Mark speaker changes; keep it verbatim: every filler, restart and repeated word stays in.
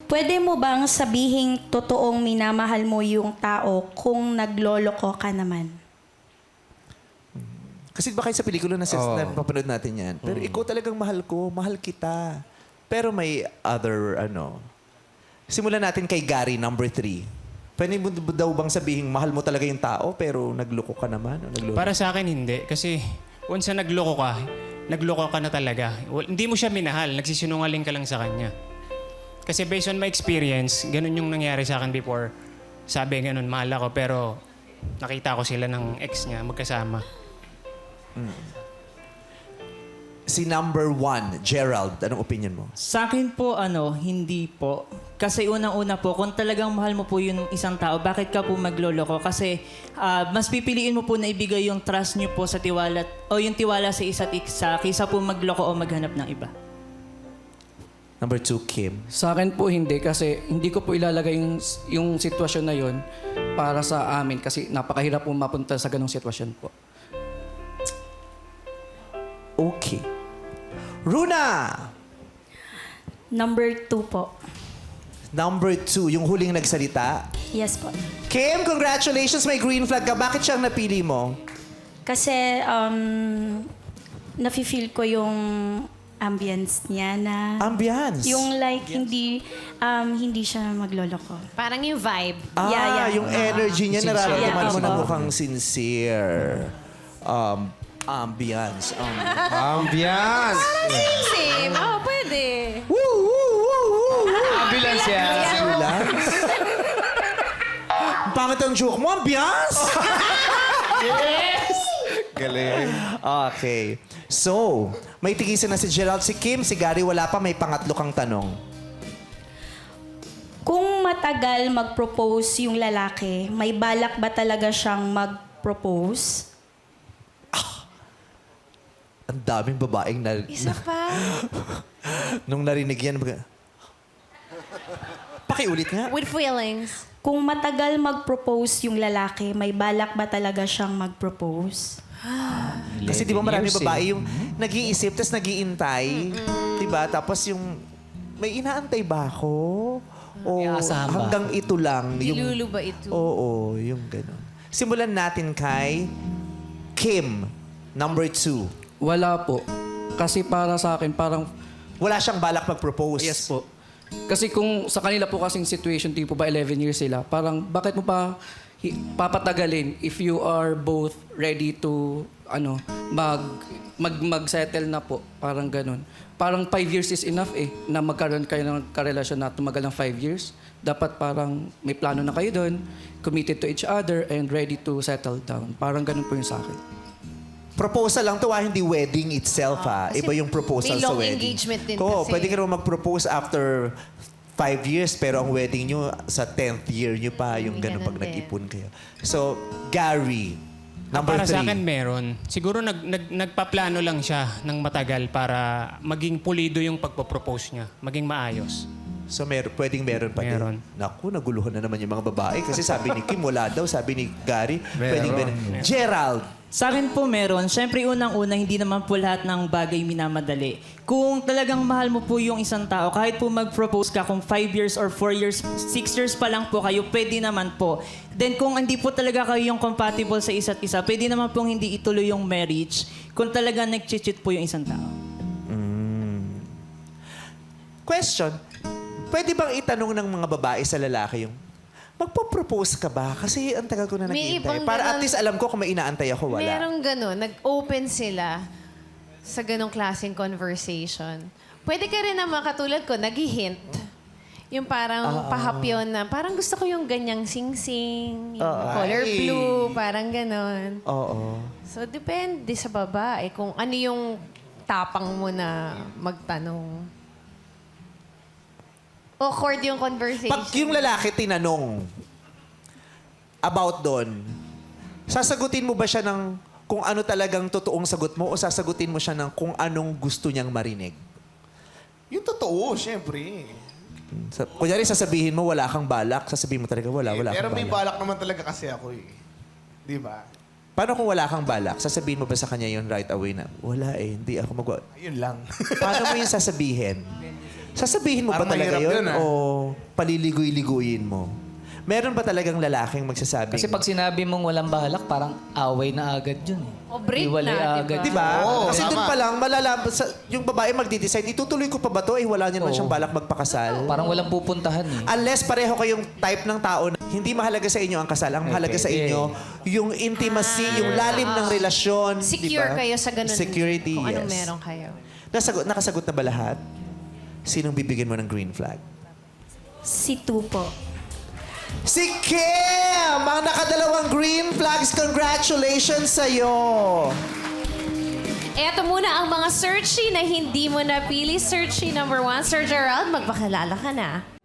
Speaker 1: Pwede mo bang sabihing totoong minamahal mo yung tao kung nagloloko ka naman?
Speaker 2: Kasi baka sa pelikula na,
Speaker 3: Oo.
Speaker 2: na papanood natin yan. Pero ikaw talagang mahal ko, mahal kita. Pero may other, ano... Simulan natin kay Gary, number three. Pwede mo daw bang sabihin, mahal mo talaga yung tao, pero nagloko ka naman? O nagloko?
Speaker 4: Para sa akin, hindi. Kasi once na nagloko ka, nagloko ka na talaga. Well, hindi mo siya minahal. Nagsisinungaling ka lang sa kanya. Kasi based on my experience, ganun yung nangyari sa akin before. Sabi ganun, mahal ako. Pero nakita ko sila ng ex niya, magkasama.
Speaker 2: Si number one, Gerald, anong opinion mo?
Speaker 5: Sa akin po, ano, hindi po. Kasi unang-una po, kung talagang mahal mo po yung isang tao, bakit ka po magloloko? Kasi ah, mas pipiliin mo po na ibigay yung trust niyo po sa tiwala o yung tiwala sa isa't isa kaysa po magloko o maghanap ng iba.
Speaker 2: Number two, Kim.
Speaker 3: Sa akin po hindi kasi hindi ko po ilalagay yung, yung sitwasyon na yon para sa amin kasi napakahirap po mapunta sa ganong sitwasyon po.
Speaker 2: Okay. Runa!
Speaker 1: Number two po.
Speaker 2: Number two, yung huling nagsalita.
Speaker 1: Yes po.
Speaker 2: Kim, congratulations, may green flag ka. Bakit siyang napili mo?
Speaker 1: Kasi um, nafe-feel ko yung ambience niya na...
Speaker 2: Ambiance.
Speaker 1: Yung like, hindi um, hindi siya magloloko.
Speaker 6: Parang yung vibe.
Speaker 2: Ah,
Speaker 1: Yeah, yeah.
Speaker 2: yung energy niya, nararamdaman
Speaker 1: Yeah,
Speaker 2: mo na
Speaker 1: opo.
Speaker 2: mukhang sincere. Um, ambience. Um,
Speaker 3: Ambiance!
Speaker 6: Same. Oh, pwede.
Speaker 2: woo, woo, woo, woo, woo.
Speaker 3: Ambulance yan.
Speaker 2: Ambulance? Ang pangit ang joke mo, ambiance?
Speaker 3: Galing.
Speaker 2: Okay. So, may tigisan na si Gerald, si Kim, si Gary, wala pa, may pangatlo kang tanong.
Speaker 1: Kung matagal mag-propose yung lalaki, may balak ba talaga siyang mag-propose?
Speaker 2: Ang daming babaeng na...
Speaker 6: Isa pa.
Speaker 2: Nung narinig yan, baga, pakiulit nga.
Speaker 6: With feelings.
Speaker 1: Kung matagal mag-propose yung lalaki, may balak ba talaga siyang mag-propose?
Speaker 2: Kasi di ba maraming
Speaker 3: years,
Speaker 2: babae yung nag-iisip, tapos nag-iintay. Di ba? Tapos yung, may inaantay ba ako? O hanggang ito lang.
Speaker 6: Dilulu ba ito?
Speaker 2: Oo, yung gano'n. Simulan natin kay Kim, number two.
Speaker 3: Wala po. Kasi para sa akin, parang
Speaker 2: Wala siyang balak mag-propose.
Speaker 3: yes po. Kasi kung sa kanila po kasing situation, tipo ba eleven years sila, parang bakit mo pa hi- papatagalin if you are both ready to ano mag mag mag-settle na po, parang ganun. Parang five years is enough eh na magkaroon kayo ng karelasyon na tumagal ng five years. Dapat parang may plano na kayo doon, committed to each other and ready to settle down. Parang ganun po yung sa akin.
Speaker 2: Proposal lang to, ah, hindi wedding itself, ha.
Speaker 6: kasi
Speaker 2: Iba yung proposal
Speaker 6: may
Speaker 2: sa
Speaker 6: long
Speaker 2: wedding.
Speaker 6: engagement din
Speaker 2: Oo,
Speaker 6: kasi.
Speaker 2: pwede ka naman mag-propose after five years, pero ang wedding nyo sa tenth year nyo pa, yung
Speaker 6: May
Speaker 2: ganun
Speaker 6: ganun
Speaker 2: pag
Speaker 6: din.
Speaker 2: nag-ipon kayo. So, Gary,
Speaker 4: Ah,
Speaker 2: number
Speaker 4: para
Speaker 2: three.
Speaker 4: sa akin, meron. Siguro nag, nag, nagpaplano lang siya ng matagal para maging pulido yung pagpapropose niya. Maging maayos.
Speaker 2: So, mer pwedeng meron pa
Speaker 4: Meron.
Speaker 2: din. Naku, naguluhan na naman yung mga babae. Kasi sabi ni Kim, wala daw. Sabi ni Gary, pwedeng meron. Gerald,
Speaker 5: Sa akin po meron. Siyempre, unang-una, hindi naman po lahat ng bagay minamadali. Kung talagang mahal mo po yung isang tao, kahit po mag-propose ka kung five years or four years, six years pa lang po kayo, pwede naman po. Then kung hindi po talaga kayo yung compatible sa isa't isa, pwede naman pong hindi ituloy yung marriage kung talagang nag-cheat po yung isang tao.
Speaker 2: question. Pwede bang itanong ng mga babae sa lalaki yung, magpo-propose ka ba? Kasi ang tagal ko na
Speaker 6: May
Speaker 2: naghihintay.
Speaker 6: ibang
Speaker 2: Para at
Speaker 6: ganon-
Speaker 2: least alam ko kung may inaantay ako, wala.
Speaker 6: Merong gano'n. Nag-open sila sa ganong klaseng conversation. Pwede ka rin naman katulad ko, nag-hint. Yung parang pahapyon na, parang gusto ko yung ganyang sing-sing, yung color
Speaker 2: Ay.
Speaker 6: blue, parang ganon.
Speaker 2: Oo.
Speaker 6: So, depende sa babae kung ano yung tapang mo na magtanong. Awkward yung conversation.
Speaker 2: Pag yung lalaki tinanong about doon, sasagutin mo ba siya ng kung ano talagang totoong sagot mo o sasagutin mo siya ng kung anong gusto niyang marinig?
Speaker 7: Yung totoo, syempre.
Speaker 2: Sa, kunyari, sasabihin mo wala kang balak, sasabihin mo talaga wala, wala
Speaker 7: Pero
Speaker 2: kang
Speaker 7: may
Speaker 2: balak.
Speaker 7: balak naman talaga kasi ako eh. Di ba?
Speaker 2: Paano kung wala kang balak? Sasabihin mo ba sa kanya yun right away na, wala eh, hindi ako mag...
Speaker 7: Ayun lang.
Speaker 2: Paano mo yung sasabihin? Sasabihin mo
Speaker 7: Parang
Speaker 2: ba talaga
Speaker 7: mahirap
Speaker 2: yun?
Speaker 7: yun, ah.
Speaker 2: O paliligoy-ligoyin mo? Meron ba talagang lalaking magsasabi?
Speaker 8: Kasi pag sinabi mong walang balak, parang away na agad yun. Eh.
Speaker 6: O break
Speaker 8: Hiwalay
Speaker 6: na,
Speaker 8: agad.
Speaker 2: Di ba?
Speaker 7: Oo,
Speaker 2: Kasi
Speaker 7: tama.
Speaker 2: doon pa lang, malalaman, sa, yung babae magdi-decide, itutuloy ko pa ba to? Eh, wala niya naman
Speaker 8: Oo.
Speaker 2: siyang balak magpakasal.
Speaker 8: Parang walang pupuntahan eh.
Speaker 2: Unless pareho kayong type ng tao na hindi mahalaga sa inyo ang kasal. Ang mahalaga sa
Speaker 8: pwede.
Speaker 2: inyo, yung intimacy, yung lalim ng relasyon.
Speaker 6: Secure
Speaker 2: di ba?
Speaker 6: kayo sa ganun.
Speaker 2: Security,
Speaker 6: Kung anong
Speaker 2: yes.
Speaker 6: meron kayo.
Speaker 2: Nasagot, nakasagot na ba lahat? Sinong bibigyan mo ng green flag?
Speaker 1: Si Tu po.
Speaker 2: Si Kim! Ang nakadalawang green flags. Congratulations sa'yo!
Speaker 6: Eto muna ang mga searchy na hindi mo napili. Searchy number one, Sir Gerald, magpakilala ka na.